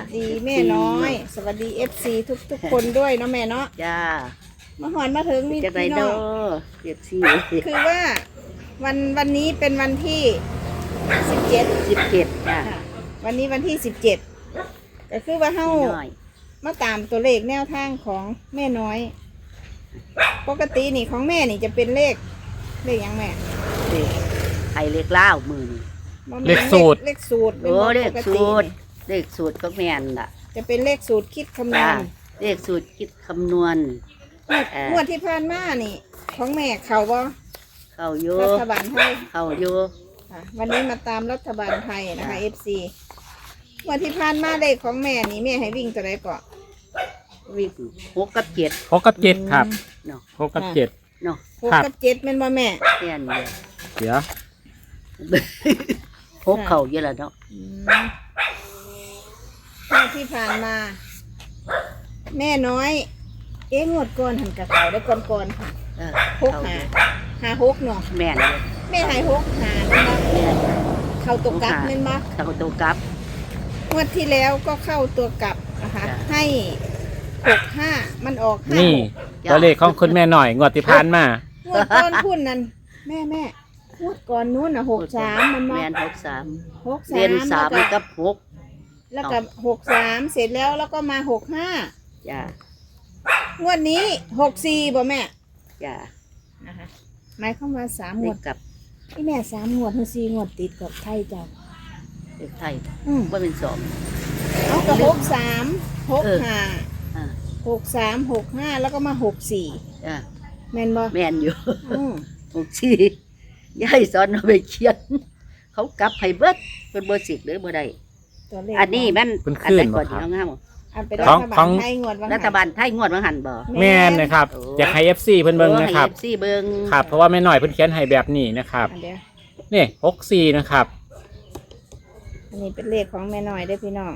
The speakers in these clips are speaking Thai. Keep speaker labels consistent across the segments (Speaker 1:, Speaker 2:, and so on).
Speaker 1: ดีแม่น้อย สวัสดี FC ทุกคนด้วยเนาะแม่เนาะ
Speaker 2: จ้า
Speaker 1: มาหอนมาถึงมี
Speaker 2: จะไป
Speaker 1: พี่
Speaker 2: เด้
Speaker 1: น้อ
Speaker 2: อง เจ็ดสี่
Speaker 1: คือว่าวันนี้เป็นวันที่17
Speaker 2: 17จ้า
Speaker 1: ค่ะวันนี้วันที่17ก็คือว่าเฮา
Speaker 2: น้อย
Speaker 1: มาตามตัวเลขแนวทางของแม่น้อย ปกตินี่ของแม่นี่จะเป็นเลขหยังแม่
Speaker 2: เด็กไข่เล็กเล่าวมือนี่
Speaker 1: บ่แม่น
Speaker 3: เลขสูตร
Speaker 1: เลขสูตร
Speaker 2: โอ้
Speaker 1: ป็น
Speaker 2: เลข
Speaker 1: ปก
Speaker 2: สู
Speaker 1: ติ
Speaker 2: ตรเลขสูตรก็แม่นล่ะ
Speaker 1: จะเป็นเลขสูตรคิดคำน
Speaker 2: จ้าว
Speaker 1: ณ
Speaker 2: เลขสูตรคิดคำนวณ
Speaker 1: งวดที่ผ่านมานี่ ของแม่เขาบ่
Speaker 2: เข้าอยู่
Speaker 1: รัฐบาลไทย
Speaker 2: เข้าอยู่
Speaker 1: ค่ะวันนี้มาตามรัฐบาลไทยนะคะ FC งวดที่ผ่านมาเลขของแม่นี่แม่ให้วิ่งตัวใดก่อน
Speaker 2: วิ่ง6 กับ 7
Speaker 3: 6 กับ 7ครับ
Speaker 2: เนาะ
Speaker 3: 6 กับ 7
Speaker 2: เนาะ
Speaker 1: หก
Speaker 3: ครับ
Speaker 1: กับเจ็ดแม่นบ่แม่
Speaker 2: แม่นเดียว
Speaker 3: เดี๋ยว
Speaker 2: 6เข้าเยอะแล้วเนาะ
Speaker 1: งวดที่ผ่านมา แม่น้อย งวดก่อนหันกับเขาได้ก่อนค่ะ
Speaker 2: เออ
Speaker 1: หกหาหกเนาะ
Speaker 2: แม่นเลย
Speaker 1: แม่ให้หกหาแม่นบ่
Speaker 2: แม่น
Speaker 1: เข้าตัวกลับแม่นบ่
Speaker 2: เข้าตัวกลับ
Speaker 1: งวดที่แล้วก็เข้าตัวกลับนะคะ
Speaker 2: จ้ะ
Speaker 1: ให้65มันออก5
Speaker 3: นี่ตัวเลขของคุณแม่หน่อยงวดที่ผ่านมา
Speaker 1: งวดก่อนพุ่นนั่นแม่งวดก่อนนู้นน่ะ63มันมา
Speaker 2: แม่น63
Speaker 1: 63
Speaker 2: เรียน
Speaker 1: แล้ว
Speaker 2: 3
Speaker 1: ก็
Speaker 2: กับ6
Speaker 1: แล้วก็63เสร็จแล้วก็มา65
Speaker 2: จ้าง
Speaker 1: วดนี้64บ่แม่
Speaker 2: จ้า
Speaker 1: นะคะหมายความว่า3ง
Speaker 2: เล
Speaker 1: ว
Speaker 2: ข
Speaker 1: ด
Speaker 2: กับ
Speaker 1: ที่แม่3งวดถึง4งวดติดกับไทยจ้ะ
Speaker 2: เลขไทย
Speaker 1: ว่า
Speaker 2: เป็นสอง
Speaker 1: เอากับ63 65
Speaker 2: อ่า
Speaker 1: 63 65แล้วก็มา64
Speaker 2: จ้า
Speaker 1: แม่นบ่
Speaker 2: แม่นอยู่
Speaker 1: อือ
Speaker 2: 64ยายสอนเอาไปเขียน เขากลับให้เบิดเป็นเบอร์10หรือบ่ได้
Speaker 1: ตัวเลข
Speaker 2: อันนี้มัน
Speaker 3: เป็น
Speaker 2: อัน
Speaker 3: ขึ้
Speaker 2: ไหน
Speaker 3: น
Speaker 2: ก่อน
Speaker 3: บ่ครับ
Speaker 2: ที่เอางาม
Speaker 1: อันเป็น
Speaker 3: ข
Speaker 1: รั
Speaker 3: อง
Speaker 1: ฐบา
Speaker 3: ขอ
Speaker 1: ล
Speaker 3: ง
Speaker 1: ไทยงวดว่า
Speaker 2: รัฐบาลไทยงวดมาหันบ่
Speaker 3: แม่นนะครับ
Speaker 2: โอ้
Speaker 3: อยากให้ FC เพิ่นเบิ่งนะครับ
Speaker 2: ให้ FC เบิ่ง
Speaker 3: ครับ เพราะว่าแม่หน่อยเพิ่นเขียนให้แบบนี้นะครับ
Speaker 1: อันเดียว
Speaker 3: นี่64นะครับ
Speaker 1: อันนี้เป็นเลขของแม่น้อยได้อพี่น้อง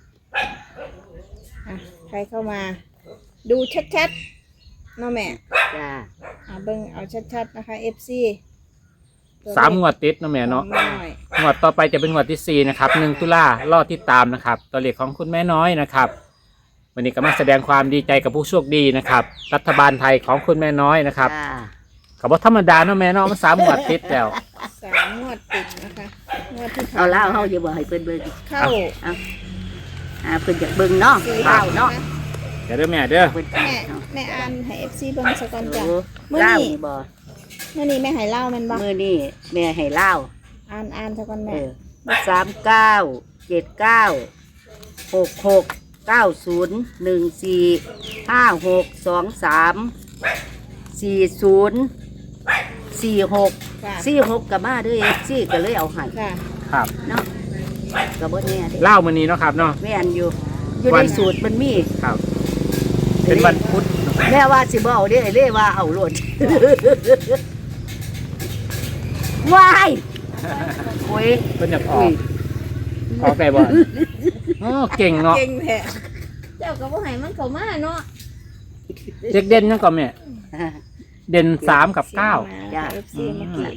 Speaker 1: อ่ะใครเข้ามา ดูชัดๆเนาะแม่
Speaker 2: จ้า
Speaker 1: เบิ่งเอาชัดๆนะคะ FC
Speaker 3: 3 งวดติดเนาะแม่เนาะ
Speaker 1: ของแม่น้อย
Speaker 3: งวดต่อไปจะเป็นงวดที่4นะครับ1ตุลารอติดตามนะครับ ตัวเลขของคุณแม่น้อยนะครับ วันนี้ก็มาแสดงความดีใจกับผู้โชคดีนะครับ รัฐบาลไทยของคุณแม่น้อยนะครับ
Speaker 2: จ้า
Speaker 3: ก็บ่ธรรมดาเนาะแม่เนาะมัน3 งวดติดแล้ว
Speaker 1: 3 งวดติดนะคะงวดที่ผ่น
Speaker 2: เอาแล้วเฮาอย่าบ่ให้เพิ่นเบิ่ง
Speaker 1: เข้า
Speaker 2: เพิ่นอยากเบิ่งเนาะ
Speaker 1: สี่
Speaker 2: เล่าเนาะ
Speaker 3: เดี๋ยวเด้อแม่เด้อ
Speaker 2: เพิ่น
Speaker 1: แม่อ่านให้ FC เบิ่งสักก่อนจ้ะ
Speaker 2: โอ้
Speaker 1: มื้อ
Speaker 2: เล่า
Speaker 1: นี้
Speaker 2: นี่บ่
Speaker 1: เมื่อนี้แม่ให้เล่าแม่นบ่
Speaker 2: มื้อนี้แม่ให้เล่า
Speaker 1: อ่านสักก่อน
Speaker 2: เอ
Speaker 1: แม่
Speaker 2: อ39 79 66 90 14 40 46
Speaker 1: ค่ะ
Speaker 2: 46ก็มาเด้อ FC ก็เลยเอาให้
Speaker 1: ค่ะ
Speaker 3: ครับ
Speaker 2: เนาะก็บ่แน่เด้
Speaker 3: เล่ามื้อนี้เนาะครับเนาะ
Speaker 2: แม่นอยู่ในสูตรมันมี
Speaker 3: ครับ เป็นวันพุธ
Speaker 2: แม่ว่าสิบ่เอาเด้ไอ้เล่ว่าเอาโลด ว้ายโอ้ย
Speaker 3: เพิ่นอยากอ
Speaker 2: อุ้
Speaker 3: อย กออกได้บ่อ๋อเก่งเนาะ
Speaker 1: เก่งแท้เจ้าก็บ่ให้มันเข้ามาเนาะ
Speaker 3: เด็กเด่นยังก่อนแม่เด่น3กับ9
Speaker 2: จ้า
Speaker 1: FC เมื่อกี้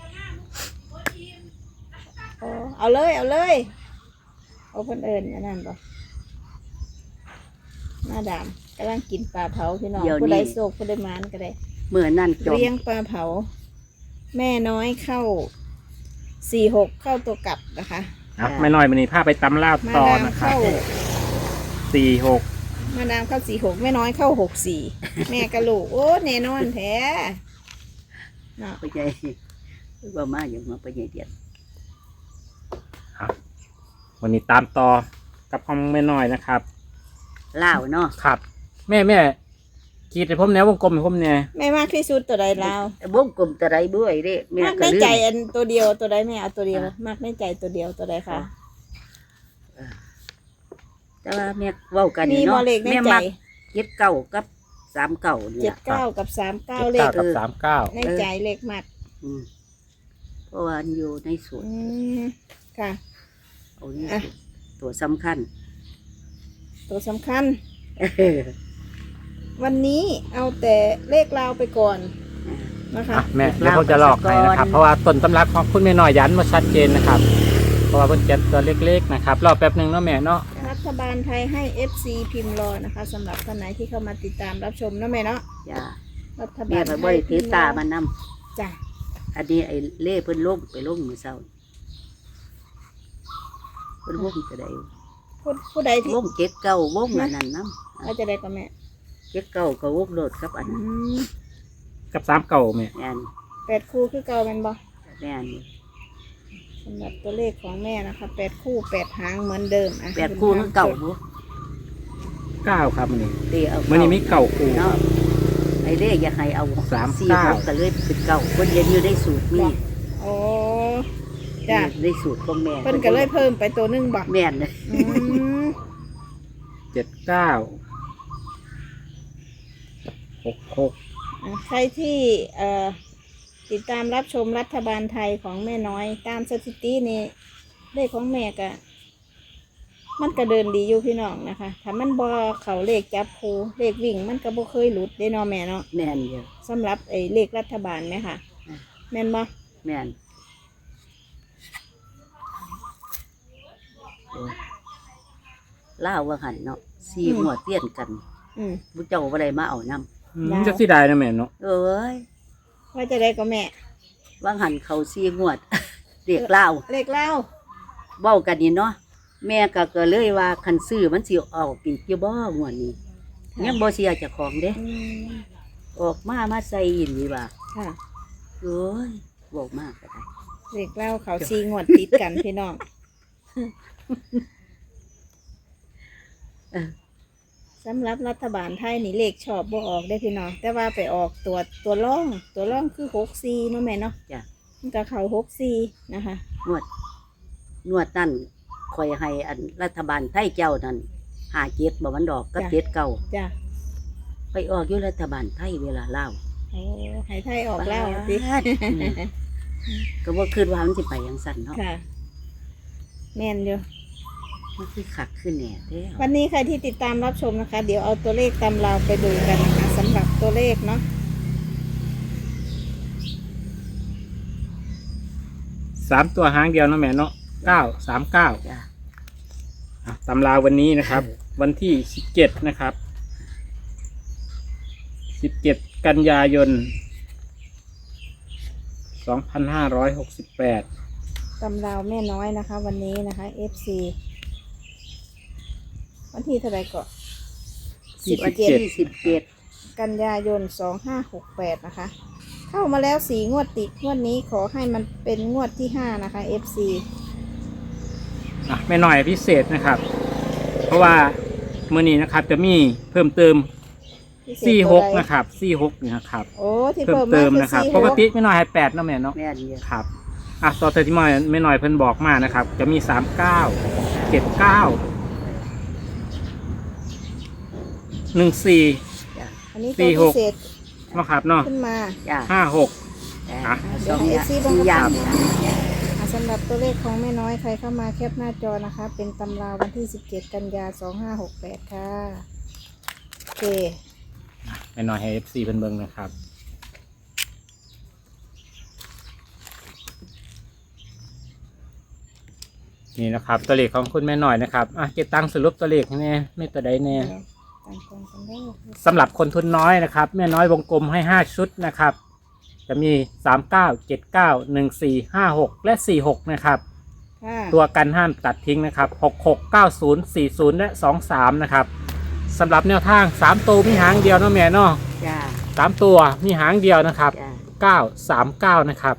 Speaker 1: โอ้เอาเลยเอาเพิ่นเอิ้นอันนั้นบ่มาดามกำลังกินปลาเผาพี่น้องผู้ใดโศกผู้ใดหมานก็ได้
Speaker 2: เมื่อนั่นจบ
Speaker 1: เลี้ยงปลาเผา แม่น้อยเข้า46เข้าตัวกลับนะคะ
Speaker 3: ครับไม่น้อยมื้อนี้พาไปตำลาบ
Speaker 1: มา
Speaker 3: ต่อ
Speaker 1: ดาม
Speaker 3: นะครับ
Speaker 1: เข้า
Speaker 3: 46
Speaker 1: มาดามเข้า46แม่น้อยเข้า64แม่กะลูกโอ้แน่นอนแท้เนาะ
Speaker 2: ไปใหญ่ว่ามาอย่างมาไปใหญ่เดียด
Speaker 3: วันนี้ตามต่อกับของแม่น้อยนะครับ
Speaker 2: เล่าวเนาะ
Speaker 3: ครับ แม่ขีดให้ผมแนววงกลมให้ผมเนี่ย
Speaker 1: แม่มากที่สุดตัวใดลาว
Speaker 2: วงกลมตะไรบ้วยเด้แม่
Speaker 1: มาก
Speaker 2: ก็
Speaker 1: ใน
Speaker 2: ลื
Speaker 1: ใจ
Speaker 2: ม
Speaker 1: อันตัวเดียวตัวใดแม่เอาตัวเดียวมากในใจตัวเดียวตัวใดคะ
Speaker 2: แต่ว่าแม่เว้ากัน
Speaker 1: มี
Speaker 2: นี่
Speaker 1: บอ
Speaker 2: เนาะ
Speaker 1: เลขใน
Speaker 2: แม่
Speaker 1: ใจ
Speaker 2: มัก79กับ39นี่
Speaker 1: เจ็ด
Speaker 2: ล่ะ
Speaker 1: เก้ากับ39เลข
Speaker 3: 9กับ39
Speaker 1: ในใจเลขมัด
Speaker 2: อืมเพราะว่ามันอยู่ในสูตร
Speaker 1: ค่ะ
Speaker 2: เอานี่
Speaker 1: อ่ะ
Speaker 2: ตัวสำคัญ
Speaker 1: ตัวสำคัญ วันนี้เอาแต่เลขลาวไปก่อนนะคะ
Speaker 3: อ่ะแม่เดี๋ยวผมจะหลอกให้นะครับ เพราะว่าต้นตำรับของคุณแม่น้อยยันมาชัดเจนนะครับ เพราะว่าเพิ่นเจ็ดตัวเล็กๆนะครับรอแป๊บหนึงเนาะแม่เนาะ
Speaker 1: ครัฐบาลไทยให้ FC พิมพ์รอนะคะสำหรับท่านไหนที่เข้ามาติดตามรับชมเนาะแม่เนาะ
Speaker 2: จ้า
Speaker 1: รัฐบา
Speaker 2: แม่
Speaker 1: ล
Speaker 2: ก็
Speaker 1: ไท
Speaker 2: บ่
Speaker 1: ย
Speaker 2: ได้ถือตามานำ
Speaker 1: จ้ะ
Speaker 2: อันนี้ไอ้เล่เพิ่นลงไปลงมื้อเช้าเพิ่นวงจะได้
Speaker 1: ผู้ใดที่
Speaker 2: วงเจ็ดเก้าวงอันนั้นนำ
Speaker 1: ว่าจะได้ก็แม่
Speaker 2: เจ็ดเก้าก็วงโลดกับอัน
Speaker 1: อื
Speaker 2: นั้น
Speaker 1: ม
Speaker 3: กับสามเก่าแม่
Speaker 2: แม่น
Speaker 1: 8 คู่คือเก่าแม่นบ่
Speaker 2: แม่น
Speaker 1: สำหรับตัวเลขของแม่นะคะ8 คู่ 8 หางเหมือนเดิมอ่ะ
Speaker 2: แปดคู่คือเก่าบ่
Speaker 3: เก้าครับมันนี่
Speaker 2: ตีเอา
Speaker 3: มันนี่มีเก่าคู่
Speaker 2: เนาะไอ้เด้อยากให้เอา
Speaker 3: สาม
Speaker 2: สี่
Speaker 3: เก้า
Speaker 2: หกก็เลยเป็นเก่าเพิ่นเรียนอยู่ในสูตรนี่
Speaker 1: โอ้จ้ะ
Speaker 2: ในสูตรของแม่
Speaker 1: เพิ่นก็เลยเพิ่มไปตัวหนึงบ่
Speaker 2: แม่นเลย
Speaker 1: อืม
Speaker 3: 79 66
Speaker 1: ใครที่ติดตามรับชมรัฐบาลไทยของแม่น้อยตามสถิตินี่เลขของแม่ก็มันก็เดินดีอยู่พี่น้องนะคะถ้ามันบ่เขาเลขจับคูเลขวิ่งมันก็บ่เคยหลุดได้เนาะแม่เนาะ
Speaker 2: แม่นอยู่
Speaker 1: สำหรับไอ้เลขรัฐบาลไหมค่ะ แม่นบ่
Speaker 2: แม่นโอ้ยล่าวว่าหันเนาะสี่หัวเตี้ยนกัน
Speaker 1: อืม
Speaker 2: บุเจ้าบ่ได้มาเอานำ
Speaker 1: ดาว
Speaker 3: จะสิได้นะแม่เนาะ
Speaker 2: เอ้ย
Speaker 1: ว่าจะได้ก็แม่
Speaker 2: ว่างหันเขาสี่งวด เรียกเล่าว
Speaker 1: เลขเล่า
Speaker 2: เว้ากันนี่เนาะแม่ก็เลยว่าคันซื้อมันสิออกปีกอยู่บ่งวดนี้ยังบ่เสียเจ้าของเด้
Speaker 1: อืม
Speaker 2: ออกมาใส่อินนี่ว่า
Speaker 1: ค่ะ
Speaker 2: โอ้ยบอกมากก็ได้
Speaker 1: เลขเล่าเขาซีงวดติดกันพี่น้อง
Speaker 2: เออ
Speaker 1: สำหรับรัฐบาลไทยนี่เลขชอบบ่ออกได้พี่น้องแต่ว่าไปออกตัวร่องคือ64เนาะแม่เนาะ
Speaker 2: จ้ะ
Speaker 1: มันก็เขา64นะคะ
Speaker 2: นวดนั่นคอยให้อันรัฐบาลไทยเจ้านั่น57บ่มันดอกกับ7เก่า
Speaker 1: จ้ะ
Speaker 2: ไปออกอยู่รัฐบาลไทยเวลาเล่าว
Speaker 1: โอ้ให้ไทยออกแล้วสิ
Speaker 2: ก็บ่คิดว่ามันสิไปจังซั่นเนาะ
Speaker 1: ค่ะ แม่นอยู่
Speaker 2: มันคือคักขึ้นแน่แท้
Speaker 1: วันนี้ใครที่ติดตามรับชมนะคะ เดี๋ยวเอาตัวเลขตำราวไปดูกันนะคะสำหรับตัวเลขเนาะ
Speaker 3: 3ตัวหางเดียวเนาะแม่เนาะ939
Speaker 2: จ้ะ
Speaker 3: ตำราวันนี้นะครับ วันที่17นะครับ17กันยายน2568
Speaker 1: ตำราวแม่น้อยนะคะ วันนี้นะคะ FC วันที่เท่าไหร่ก็
Speaker 2: วันที่17
Speaker 1: กันยายน2568นะคะ เข้ามาแล้ว4 งวดติดงวดนี้ขอให้มันเป็นงวดที่5นะคะ FC
Speaker 3: ไม่หน่อยพิเศษนะครับ เพราะว่ามื้อนี้นะครับจะมีเพิ่มเติม
Speaker 1: พิเศษตัวใด
Speaker 3: 46นะครับ46นี่นะครับ
Speaker 1: โอ้ที่
Speaker 3: เพิ่ม
Speaker 1: เพิ่ม
Speaker 3: เติ
Speaker 1: มาม คือ
Speaker 3: นะครับ
Speaker 1: 4
Speaker 3: ปกติไม่น้อยให้8เนาะแม่เนาะ
Speaker 2: แม่นอยู่
Speaker 3: ครับต่อแต่ที่ไม่น้อยเพิ่นบอกมานะครับ จะมี39 79 14
Speaker 2: จ้ะ
Speaker 1: อันนี้ตัวพิเศษ
Speaker 3: เนาะครับเนาะ
Speaker 1: ขึ้นมา
Speaker 2: จ้ะ
Speaker 3: 56
Speaker 2: จ้ะ
Speaker 1: เดี๋ยวให้ FC
Speaker 2: สี่อย่าง
Speaker 1: สำหรับตัวเลขของแม่น้อยใครเข้ามาแคปหน้าจอนะคะ เป็นตำราวันที่17กันยา2568ค่ะโอเค
Speaker 3: ไม่น้อยให้ FC เพิ่นเบิ่งนะครับ นี่นะครับตัวเลขของคุณแม่หน่อยนะครับเก็บตังค์สรุปตัวเลขให้แน่ไม่ตัวใดแน่
Speaker 1: ต่างคนกันได้
Speaker 3: สำหรับคนทุนน้อยนะครับ แม่น้อยวงกลมให้5ชุดนะครับ จะมี39 79 14 56 และ 46นะครับ
Speaker 1: ค่ะ
Speaker 3: ตัวกันห้ามตัดทิ้งนะครับ66 90 40 และ 23นะครับสำหรับแนวทาง3ตัวมีหางเดียวเนาะแม่เนาะ
Speaker 2: จ้ะ
Speaker 3: 3ตัวมีหางเดียวนะครับ
Speaker 2: จ้ะ
Speaker 3: 939นะครับ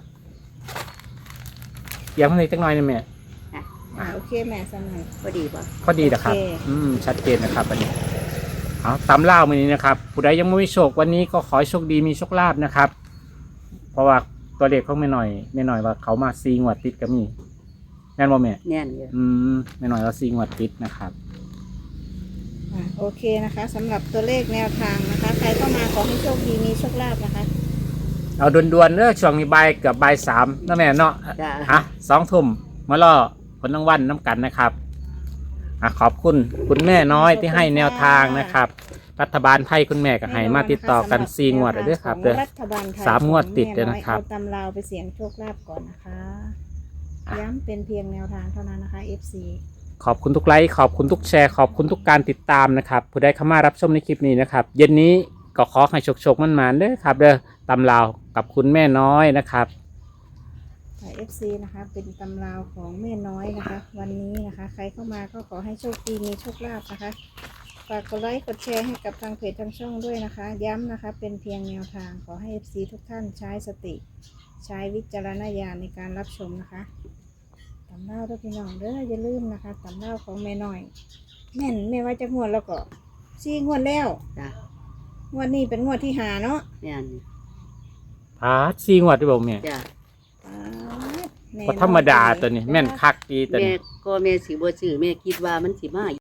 Speaker 3: เดี๋ยวมันอีกจักหน่อยนะแม่
Speaker 1: โอเคแม่สมัย
Speaker 2: พอดีป่ะ
Speaker 3: ข้อดีนะครับ
Speaker 1: โอเค
Speaker 3: ชัดเจนนะครับอันนี้เอาตามเล่ามานี้นะครับผู้ใดยังไม่มีโชควันนี้ก็ขอให้โชคดีมีโชคลาภนะครับ เพราะว่าตัวเลขเขาไม่หน่อยว่าเขามาซีงวดติดก็มีแน่นบ่แม่
Speaker 2: แน่นอยู่
Speaker 3: ไม่หน่อยเราซีงวดติดนะครับ
Speaker 1: โอเคนะคะสำหรับตัวเลขแนวทางนะคะ ใครเข้ามาขอให้โชคดีมีโชคลาภนะคะ
Speaker 3: เอาด่วนๆเด้อช่วงนี้บ่ายเกือบบ่าย3นะแม่เนาะ
Speaker 2: จ้ะ
Speaker 3: 2 ทุ่มมาล่อผลรางวัลน้ำกันนะครับขอบคุณคุณแม่น้อยที่ให้แนวทางนะครับ รัฐบาลไทยคุณแม่ก็ให้มาติดต่อกัน4 งวดเลยเด้อครับเด้อ
Speaker 1: รัฐบาลไทย
Speaker 3: 3 งวดติดเลยนะครับ
Speaker 1: เอาตำราวไปเสี่ยงโชคลาภก่อนนะคะย้ำเป็นเพียงแนวทางเท่านั้นนะคะ FC
Speaker 3: ขอบคุณทุกไลค์ขอบคุณทุกแชร์ขอบคุณทุกการติดตามนะครับผู้ใดเข้ามารับชมในคลิปนี้นะครับเย็นนี้ก็ขอให้โชคๆมันๆเด้อครับเด้อตำราวกับคุณแม่น้อยนะครับ
Speaker 1: FC นะคะเป็นตำราวของแม่น้อยนะคะ วันนี้นะคะ ใครเข้ามาก็ขอให้โชคดีมีโชคลาภนะคะฝากกดไลค์กดแชร์ให้กับทางเพจทางช่องด้วยนะคะ ย้ำนะคะเป็นเพียงแนวทางขอให้ FC ทุกท่านใช้สติ ใช้วิจารณญาณในการรับชมนะคะตำราวด้วยพี่น้องเด้ออย่าลืมนะคะตำราวของแม่น้อยแม่นแม่ว่าจะงวดแล้วก็4 งวดแล้ว
Speaker 2: จ้ะ
Speaker 1: งวดนี้เป็นงวดที่5เนาะ
Speaker 2: แม่น
Speaker 3: พาดซีงวดด้วยบ่แม่
Speaker 2: จ้ะ
Speaker 3: ก็ธรรมดาตัวนี้แม่นคักดีตัว
Speaker 2: แม่
Speaker 3: นี้
Speaker 2: ก็แม่สิบ่ซื้อแม่คิดว่ามันสิมา